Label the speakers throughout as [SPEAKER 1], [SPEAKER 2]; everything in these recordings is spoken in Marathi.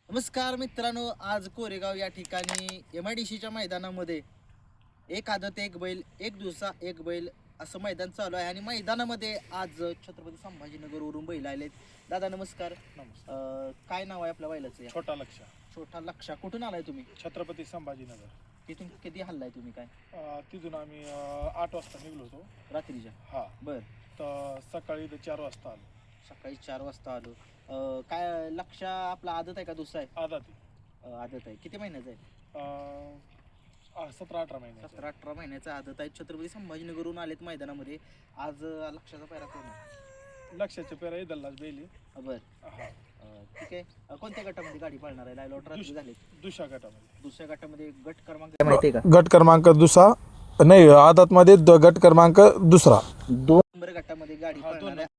[SPEAKER 1] नमस्कार मित्रांनो, आज कोरेगाव या ठिकाणी MIDCच्या मैदानामध्ये एक आदत एक बैल एक दिवसा एक बैल असं मैदान चालू आहे आणि मैदानामध्ये आज छत्रपती संभाजीनगरवरून बैल आलेत. दादा नमस्कार. काय नाव आहे आपल्या बैलाचं?
[SPEAKER 2] छोटा लक्ष्य.
[SPEAKER 1] छोटा लक्ष्य. कुठून आलाय तुम्ही?
[SPEAKER 2] छत्रपती संभाजीनगर.
[SPEAKER 1] तिथून किती हल्लाय तुम्ही? काय
[SPEAKER 2] तिथून आम्ही 8 वाजता निघलो होतो
[SPEAKER 1] रात्रीच्या.
[SPEAKER 2] हा
[SPEAKER 1] बर.
[SPEAKER 2] तर सकाळी 4 वाजता आलो.
[SPEAKER 1] सकाळी 4 वाजता आलो. काय लक्ष्य आपला आदत आहे का दुसरा आहे? आदत आहे. किती महिन्याचा आहे?
[SPEAKER 2] 17-18 महिन्याचा.
[SPEAKER 1] 17-18 महिन्याचा आदत आहे. छत्रपती संभाजीनगरवरून आलेत मैदानामध्ये. आज लक्ष्याचा पैरा कोण आहे?
[SPEAKER 2] लक्ष्याचे पेरा इदल्लाच बेली.
[SPEAKER 1] बर.
[SPEAKER 2] हा
[SPEAKER 1] ठीक आहे. कोणत्या गटामध्ये गाडी पाळणार आहे? लायलॉट रात्री झाले.
[SPEAKER 2] दुसऱ्या गटामध्ये.
[SPEAKER 1] दुसऱ्या गटामध्ये गट क्रमांक माहिती आहे का?
[SPEAKER 3] गट क्रमांक दुसरा नाही, आदत मध्ये गट क्रमांक दुसरा
[SPEAKER 1] 2 नंबर गटामध्ये गाडी पाळणार आहे.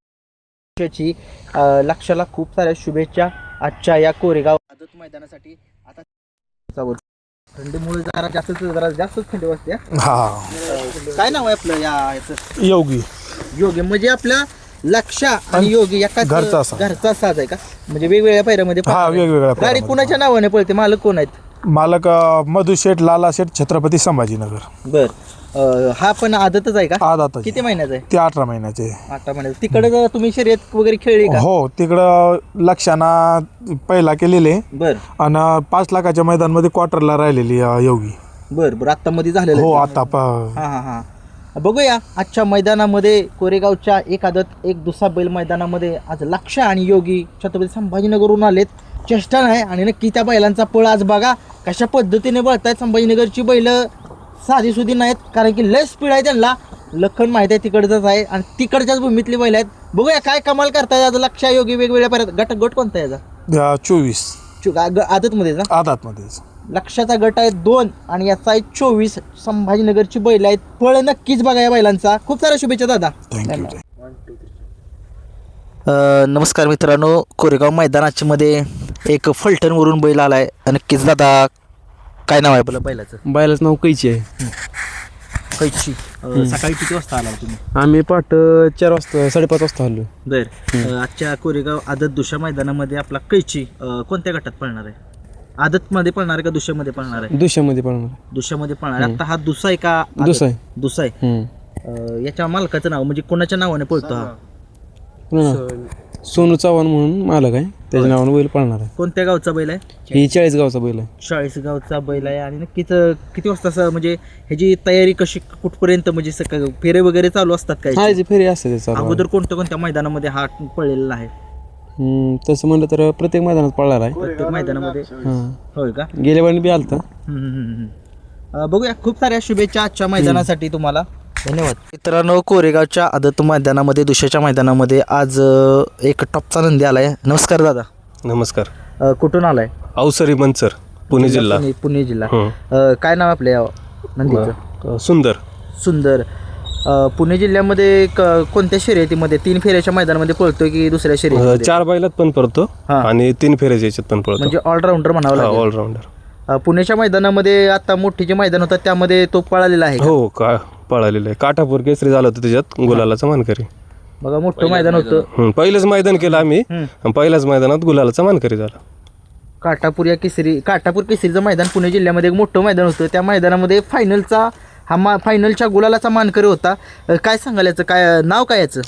[SPEAKER 1] लक्ष्याला खूप साऱ्या शुभेच्छा आजच्या या कोरेगाव आदत मैदानासाठी. आता थंडीमुळे जरा जास्तच थंडी वाजते. काय नाव आहे आपलं याचं? योगी. म्हणजे आपल्या लक्ष्या आणि योगी एका घरचा साज आहे का? म्हणजे वेगवेगळ्या पायऱ्यामध्ये
[SPEAKER 3] वेगवेगळ्या
[SPEAKER 1] गाडी कुणाच्या नावाने पळते? मालक कोण आहेत?
[SPEAKER 3] मालक मधु शेठ, लाला शेठ, छत्रपती संभाजीनगर.
[SPEAKER 1] बर. हा पण आदतच आहे का?
[SPEAKER 3] आदत.
[SPEAKER 1] किती महिन्याचा आहे?
[SPEAKER 3] ते 18 महिन्याचे.
[SPEAKER 1] 18 महिन्याचा. तिकडे तुम्ही शर्यत वगैरे खेळली का?
[SPEAKER 3] हो, तिकडं लक्षाना पहिला केलेले.
[SPEAKER 1] बर.
[SPEAKER 3] आणि 5 लाखाच्या मैदान मध्ये क्वार्टरला राहिलेली योगी.
[SPEAKER 1] बर. आता मध्ये झालेलं.
[SPEAKER 3] हो, आता
[SPEAKER 1] हा. बघूया आजच्या मैदानामध्ये कोरेगावच्या एक आदत एक दुसरा बैल मैदानामध्ये आज लक्ष आणि योगी छत्रपती संभाजीनगरवरून आलेत. चेष्टा नाही. आणि नक्की त्या बैलांचा पळ आज बघा कशा पद्धतीने बळतायत. संभाजीनगरची बैल साधी सुधी नाहीत, कारण की लय स्पीड आहे त्यांना. लखन माहित आहे तिकडचंच आहे आणि तिकडच्याच भूमीतली बैल आहेत. बघूया काय कमाल करताय आज लक्ष योगी. वेगवेगळ्या पर्यंत गट कोणता आहे याचा?
[SPEAKER 3] 24
[SPEAKER 1] आदत मध्ये.
[SPEAKER 3] आदत मध्ये
[SPEAKER 1] लक्षाचा गट आहे 2 आणि याचा आहे 24. संभाजीनगरची बैल आहेत. पळ नक्कीच बघा या बैलांचा. खूप साऱ्या शुभेच्छा दादा.
[SPEAKER 3] थँक्यू.
[SPEAKER 1] नमस्कार मित्रांनो, कोरेगाव मैदानाच्या मध्ये एक फलटणवरून बैल आलाय. नक्कीच दादा काय नाव आहे आपलं बैलाचं?
[SPEAKER 4] बैलाचं नाव कैची आहे.
[SPEAKER 1] कैची. सकाळी किती वाजता आला तुम्ही?
[SPEAKER 4] आम्ही 4:30 वाजता आलो.
[SPEAKER 1] बर. आजच्या कोरेगाव आदत दुसऱ्या मैदानामध्ये आपला कैची कोणत्या गटात पळणार आहे? आदत मध्ये पळणार आहे का दुसऱ्यामध्ये पळणार आहे?
[SPEAKER 4] दुसऱ्यामध्ये पळणार.
[SPEAKER 1] दुसऱ्यामध्ये पळणार आहे. आता हा दुसरा आहे का? दुसरा आहे. याच्या मालकाचं नाव म्हणजे कोणाच्या नावाने पळतो हा?
[SPEAKER 4] सोनू चव्हाण म्हणून मालक आहे, त्याच्या नावाने बैल पळणार आहे.
[SPEAKER 1] कोणत्या गावचा बैल आहे?
[SPEAKER 4] ही 40 गावचा बैल आहे.
[SPEAKER 1] 40 गावचा बैल आहे. आणि नक्कीच किती वाजता म्हणजे ह्याची तयारी कशी कुठपर्यंत म्हणजे फेरे वगैरे चालू असतात काय?
[SPEAKER 4] हा, फेरी असते
[SPEAKER 1] अगोदर कोणत्या मैदानामध्ये हा पळलेला आहे?
[SPEAKER 4] तसं म्हणलं तर प्रत्येक मैदानात पळणार आहे.
[SPEAKER 1] प्रत्येक मैदानामध्ये. होय का?
[SPEAKER 4] गेल्या वेळी बी आलता.
[SPEAKER 1] बघूया. खूप साऱ्या शुभेच्छा आजच्या मैदानासाठी तुम्हाला. धन्यवाद. मित्रांनो, कोरेगावच्या आदत मैदानामध्ये दुसऱ्याच्या मैदानामध्ये आज एक टॉपचा नंदी आलाय. नमस्कार दादा.
[SPEAKER 5] नमस्कार.
[SPEAKER 1] कुठून आलाय?
[SPEAKER 5] अवसरी मंचर, पुणे जिल्हा.
[SPEAKER 1] पुणे जिल्हा. काय नाव आपल्या नंदीचं? सुंदर. पुणे जिल्ह्यामध्ये कोणत्या शर्यतीमध्ये? 3 फेऱ्याच्या मैदानामध्ये पळतोय की दुसऱ्या शर्यतीमध्ये?
[SPEAKER 5] 4 बैलात पण पळतो आणि 3 फेऱ्याच्या याच्यात पण पळतो.
[SPEAKER 1] म्हणजे ऑलराऊंडर म्हणावं लागेल.
[SPEAKER 5] ऑलराऊंडर.
[SPEAKER 1] पुण्याच्या मैदानामध्ये आता मोठी जे मैदान होतं त्यामध्ये तो पळालेला आहे?
[SPEAKER 5] हो, पळालेलं आहे. काठापूर केसरी झालं होतं त्याच्यात, गुलालाचा मानकरी.
[SPEAKER 1] बघा मोठं मैदान होतं.
[SPEAKER 5] पहिलंच मैदान केलं आम्ही. पहिल्याच मैदानात गुलालाचा मानकरी झाला.
[SPEAKER 1] काठापूर केसरीचं मैदान पुणे जिल्ह्यामध्ये एक मोठं मैदान होतं. त्या मैदानामध्ये फायनलचा फायनलच्या गुलालाचा मानकरी होता. काय सांगाल याचं? काय नाव काय याचं?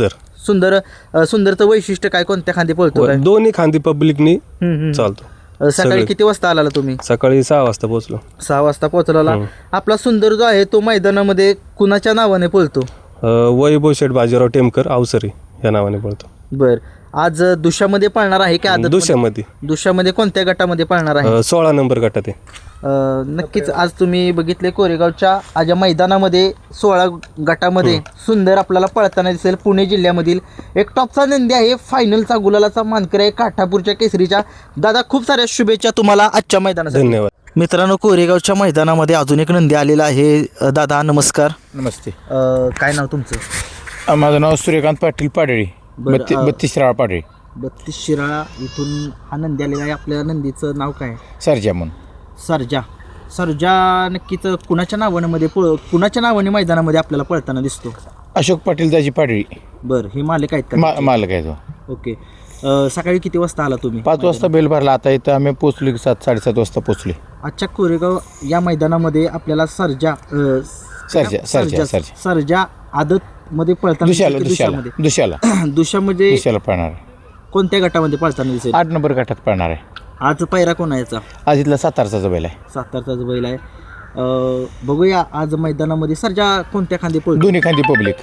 [SPEAKER 1] सुंदरचं वैशिष्ट्य काय? कोणत्या खांदी पळतो?
[SPEAKER 5] दोन्ही खांदी पब्लिकनी चालतो.
[SPEAKER 1] सकाळी किती वाजता आला तुम्ही?
[SPEAKER 5] सकाळी 6 वाजता पोहोचलो.
[SPEAKER 1] 6 वाजता पोहोचला. आपला सुंदर जो आहे तो मैदानामध्ये कुणाच्या नावाने पळतो?
[SPEAKER 5] वैभव शेठ बाजीराव टेमकर अवसरी या नावाने पळतो.
[SPEAKER 1] बर. आज दुसऱ्यामध्ये पळणार आहे की आदत? दुसऱ्यामध्ये कोणत्या गटामध्ये पळणार आहे?
[SPEAKER 5] 16 नंबर गटात आहे.
[SPEAKER 1] नक्कीच आज तुम्ही बघितले कोरेगावच्या आज मैदानामध्ये 16 गटामध्ये सुंदर आपल्याला पळताना दिसेल. पुणे जिल्ह्यामधील एक टॉपचा नंदी आहे. फायनलचा गुलालाचा मानकरी आहे काठापूरच्या केसरीच्या. दादा खूप साऱ्या शुभेच्छा तुम्हाला आजच्या मैदानासाठी.
[SPEAKER 5] धन्यवाद.
[SPEAKER 1] मित्रांनो, कोरेगावच्या मैदानामध्ये अजून एक नंदी आलेला आहे. दादा नमस्कार.
[SPEAKER 6] नमस्ते.
[SPEAKER 1] काय नाव तुमचं?
[SPEAKER 6] माझं नाव सूर्यकांत पाटील पाडळी. 32 शिराळा पाडळी.
[SPEAKER 1] 32 शिराळा इथून हा नंदी आलेला आहे. आपल्या नंदीचं नाव काय?
[SPEAKER 6] सरजा म्हणून.
[SPEAKER 1] सरजा नक्कीच कुणाच्या नावाने मैदानामध्ये आपल्याला पळताना दिसतो?
[SPEAKER 6] अशोक पाटील दाजी पाडळी.
[SPEAKER 1] बरं. हे मालक आहेत का?
[SPEAKER 6] मालक आहे तो.
[SPEAKER 1] ओके. सकाळी किती वाजता आला तुम्ही?
[SPEAKER 6] 5 वाजता बेल भरला. आता इथं आम्ही पोचलो 7-7:30 वाजता पोचले.
[SPEAKER 1] आजच्या कोरेगाव या मैदानामध्ये आपल्याला सर्जा सर्जा आदत मध्ये पळताना दुशामध्ये
[SPEAKER 6] पळणार आहे.
[SPEAKER 1] कोणत्या गटामध्ये पळताना दिसेल?
[SPEAKER 6] 8 नंबर गटात पळणार आहे.
[SPEAKER 1] आज पायरा कोण याचा?
[SPEAKER 6] आज इथला सातारचा बैल आहे.
[SPEAKER 1] सातारचाच बैल आहे. बघूया आज मैदानामध्ये सर्जा कोणत्या खांदी पळतो?
[SPEAKER 6] दोन्ही खांदी पब्लिक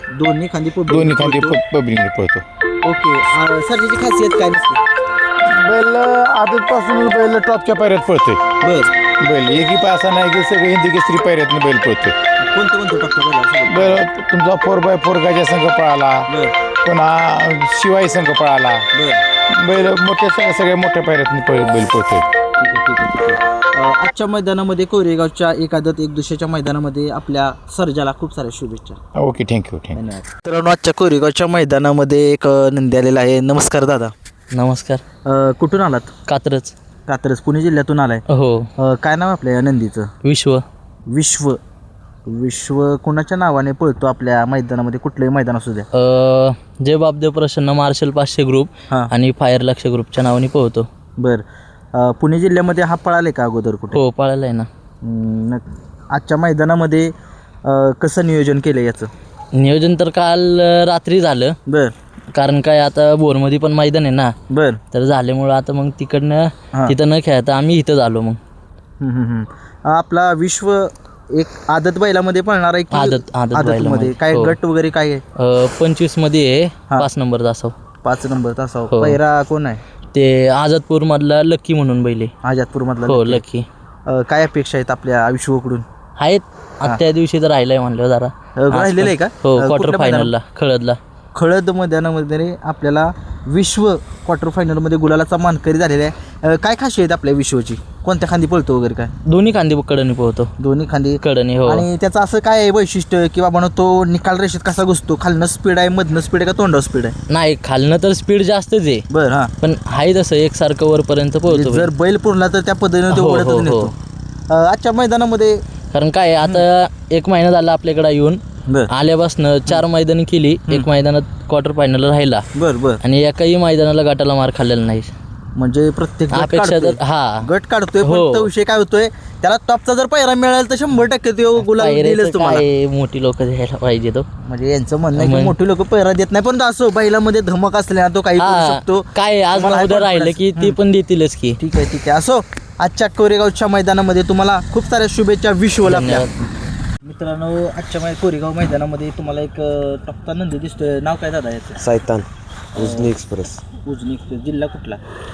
[SPEAKER 6] पळतो.
[SPEAKER 1] ओके. सर्जाची खासियत काय नसते?
[SPEAKER 6] बैल आदतपासून बैल टॉपच्या पायऱ्यात पळतोय. बैल एकही पासा नाही की सगळे हिंदी केसरी पायऱ्यातनं बैल पळतोय.
[SPEAKER 1] कोणतं टप्पा
[SPEAKER 6] बैल तुमचा 4x4 गाजा संघ पळाला, पुन्हा शिवाई संघ पळाला. बैल सगळ्या मोठ्या पायऱ्यातनं बैल पळतोय.
[SPEAKER 1] आजच्या मैदानामध्ये कोरेगावच्या एक आदत एक दुसऱ्याच्या मैदानामध्ये आपल्या सर्जाला खूप साऱ्या शुभेच्छा.
[SPEAKER 6] Okay, thank you.
[SPEAKER 1] धन्यवाद. मित्रांनो, आजच्या कोरेगावच्या मैदानामध्ये एक नंदी आलेला आहे. नमस्कार दादा.
[SPEAKER 4] नमस्कार.
[SPEAKER 1] कुठून आलात? कात्रज पुणे जिल्ह्यातून आलाय.
[SPEAKER 4] हो.
[SPEAKER 1] काय नाव आपल्या या नंदीचं? विश्व कोणाच्या नावाने पळतो आपल्या मैदानामध्ये? कुठलंही मैदान असू द्या.
[SPEAKER 7] जय बापदेव प्रसन्न मार्शल 500 ग्रुप आणि फायर लक्ष ग्रुपच्या नावाने पोहतो.
[SPEAKER 1] बर. पुणे जिल्ह्यामध्ये हा पळाले का अगोदर कुठे?
[SPEAKER 7] हो, पळाला आहे ना.
[SPEAKER 1] आजच्या मैदानामध्ये कसं नियोजन केलं याचं?
[SPEAKER 7] नियोजन तर काल रात्री झालं.
[SPEAKER 1] बर.
[SPEAKER 7] कारण काय आता बोरमध्ये पण मैदान आहे ना.
[SPEAKER 1] बर.
[SPEAKER 7] तर झाल्यामुळं आता मग तिकडनं तिथं न खेळता आम्ही इथं झालो. मग
[SPEAKER 1] आपला विश्व एक आदत बैलामध्ये पळणार आहे की आदतमध्ये काय गट वगैरे काय आहे?
[SPEAKER 7] 25 मध्ये आहे. 5 नंबर तासाव.
[SPEAKER 1] 5 नंबर तासाव. पहिरा कोण आहे?
[SPEAKER 7] ते आझादपूर मधला लक्की म्हणून बैल आहे.
[SPEAKER 1] आझादपूर मधला.
[SPEAKER 7] हो, लक्की.
[SPEAKER 1] काय अपेक्षा आहेत आपल्या विश्वकडून?
[SPEAKER 7] आहेत. त्या दिवशी तर राहिलाय म्हणलं जरा.
[SPEAKER 1] राहिलेलं आहे का?
[SPEAKER 7] हो, क्वार्टर फायनलला
[SPEAKER 1] खळद मैदानामध्ये आपल्याला विश्व क्वार्टर फायनलमध्ये गुलालाचा मानकरी झालेला आहे. काय खासियत आहेत आपल्या विश्वची? कोणत्या खांदी पळतो वगैरे काय?
[SPEAKER 7] दोन्ही खांदी कडनी पोहतो.
[SPEAKER 1] दोन्ही खांदी
[SPEAKER 7] कडनी. हो.
[SPEAKER 1] आणि त्याचं असं काय आहे वैशिष्ट्य की बाबा तो निकाल रेषेत कसा घुसतो? खालनं स्पीड आहे, मधनं स्पीड आहे का तोंडावर स्पीड आहे?
[SPEAKER 7] नाही, खालनं तर स्पीड जास्तच आहे.
[SPEAKER 1] बरं. हां.
[SPEAKER 7] पण आहे तसं एकसारखं वरपर्यंत पोहोचतो.
[SPEAKER 1] जर बैल पुरला तर त्या पद्धतीने तो ओढतच नेतो. आजच्या मैदानामध्ये
[SPEAKER 7] कारण काय आता 1 महिना झाला आपल्याकडे येऊन. आल्यापासून 4 मैदानी केली. 1 मैदानात क्वार्टर फायनल राहिला.
[SPEAKER 1] बर. आणि
[SPEAKER 7] एकाही मैदानाला गटाला मार खाल्लेला नाही.
[SPEAKER 1] म्हणजे प्रत्येक
[SPEAKER 7] अपेक्षा तर
[SPEAKER 1] गट काढतोय. पण तो विषय काय होतोय, त्याला टॉपचा जर पायरा मिळाला तर 100% तो गुलाल दिलेच तुम्हाला.
[SPEAKER 7] मोठी लोक द्यायला पाहिजे तो.
[SPEAKER 1] म्हणजे यांचं म्हणणं आहे की मोठी लोक पैरा देत नाही, पण असो बैलामध्ये धमक असल्या तो काही करू शकतो.
[SPEAKER 7] काय आज उद्या राहिलं की ती पण देतीलच की.
[SPEAKER 1] ठीक आहे. असो, आजच्या कोरेगावच्या मैदानामध्ये तुम्हाला खूप साऱ्या शुभेच्छा विश्वला. मित्रांनो, आजच्या कोरेगाव मैदानामध्ये तुम्हाला एक टप्पा नंदी दिसतोय. नाव काय दादा याचं?
[SPEAKER 5] सायतान उजनी एक्सप्रेस.
[SPEAKER 1] जिल्हा कुठला?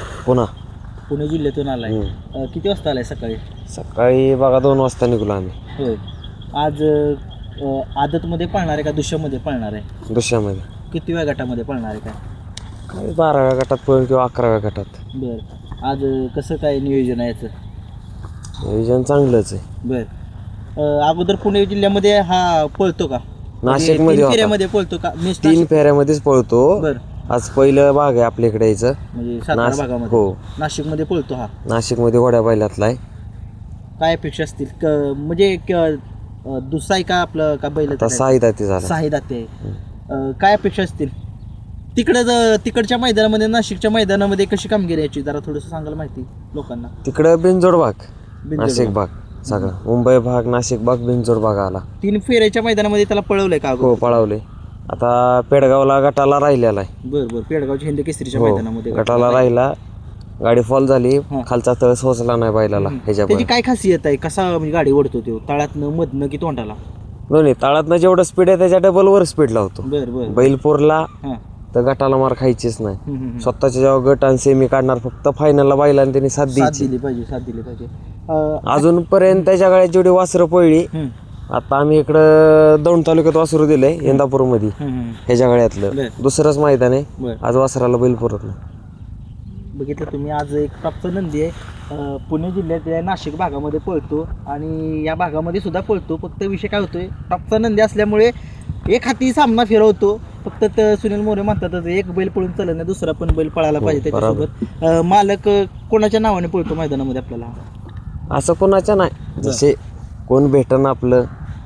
[SPEAKER 1] पुणे जिल्ह्यातून आलाय. किती वाजता आलाय?
[SPEAKER 5] सकाळी बघा 2 वाजता निघलो आम्ही.
[SPEAKER 1] होय. आज आदतमध्ये पळणार आहे का दुसऱ्यामध्ये पळणार आहे?
[SPEAKER 5] दुसऱ्यामध्ये.
[SPEAKER 1] किती वेळा गटामध्ये पळणार आहे
[SPEAKER 5] काय 12व्या गटात पळून किंवा 11व्या गटात.
[SPEAKER 1] बरं. आज कसं काय नियोजन आहे याचं?
[SPEAKER 5] नियोजन चांगलंच आहे.
[SPEAKER 1] बरं. अगोदर पुणे जिल्ह्यामध्ये हा पळतो का?
[SPEAKER 5] नाशिकमध्ये
[SPEAKER 1] फेऱ्यामध्ये पळतो का?
[SPEAKER 5] 3 फेऱ्यामध्येच पळतो.
[SPEAKER 1] बरं.
[SPEAKER 5] आज पहिलं भाग आहे आपल्याकडे यायचं.
[SPEAKER 1] म्हणजे सातारा भागामध्ये.
[SPEAKER 5] हो.
[SPEAKER 1] नाशिकमध्ये पळतो हा.
[SPEAKER 5] नाशिकमध्ये घोड्या बैलातला आहे.
[SPEAKER 1] काय अपेक्षा असतील? म्हणजे दुसरा का आपलं का बैल?
[SPEAKER 5] 6 दाते झाला.
[SPEAKER 1] 6 दाते. काय अपेक्षा असतील तिकडच्या मैदानामध्ये, नाशिकच्या मैदानामध्ये कशी कामगिरी याची जरा थोडंसं सांगायला माहिती लोकांना.
[SPEAKER 5] तिकडं बिनजोड भाग, नाशिक भाग सगळा. मुंबई भाग, नाशिक भाग, बिनजोड भाग आला.
[SPEAKER 1] 3 फेऱ्याच्या मैदानामध्ये त्याला पळवलंय का?
[SPEAKER 5] हो, पळवले. आता पेडगावला गटाला राहिलेला आहे.
[SPEAKER 1] बरं. पेडगावच्या हिंद केसरीच्या मैदानामध्ये
[SPEAKER 5] गटाला राहिला. गाडी फॉल झाली. खालचा तळ सोचला नाही बैलाला.
[SPEAKER 1] त्याची काय खासियत आहे? कसा म्हणजे गाडी ओढतो तो? तळातनं, मधनं की तोंडाला?
[SPEAKER 5] दोन्ही. तळातनं जेवढं स्पीड आहे त्याच्या डबल वर स्पीड लावतो.
[SPEAKER 1] बरं.
[SPEAKER 5] बैल पोरला तर गटाला मार खायचीच नाही. स्वतःच्या जेव्हा गट आणि सेमी काढणार, फक्त फायनलला बैलाने त्यांनी साथ दिली
[SPEAKER 1] पाहिजे.
[SPEAKER 5] अजूनपर्यंत त्याच्या गाड्यात जेवढी वासरं पळली. आता आम्ही इकडं दौंड तालुक्यात वासरू दिलंय इंदापूरमध्ये. ह्याच्या गाड्यातलं दुसरंच मैदान आहे. आज वासराला बैल पुरत नाही.
[SPEAKER 1] बघितलं तुम्ही, आज एक टॉपचा नंदी आहे. पुणे जिल्ह्यात नाशिक भागामध्ये पळतो आणि या भागामध्ये सुद्धा पळतो. फक्त विषय काय होतोय, टॉपचा नंदी असल्यामुळे एक हाती सामना फिरवतो. फक्त सुनील मोरे म्हणतात एक बैल पळून चालत नाही, दुसरा पण बैल पळायला पाहिजे त्याच्यासोबत. मालक कोणाच्या नावाने पळतो मैदानामध्ये आपल्याला?
[SPEAKER 5] असं कोणाच्या नाही. जसे कोण भेटन आपलं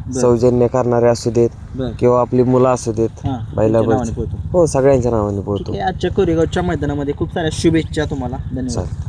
[SPEAKER 5] सौजन्य करणारे असू देत
[SPEAKER 1] बर
[SPEAKER 5] किंवा आपली मुलं असू देत
[SPEAKER 1] हां
[SPEAKER 5] बैलाबद्दल
[SPEAKER 1] नावाने पळतो.
[SPEAKER 5] हो सगळ्यांच्या नावाने बोलतो
[SPEAKER 1] ठीक आहे, आजच्या कोरेगावच्या मैदानामध्ये खूप साऱ्या शुभेच्छा तुम्हाला. धन्यवाद.
[SPEAKER 5] चालेल.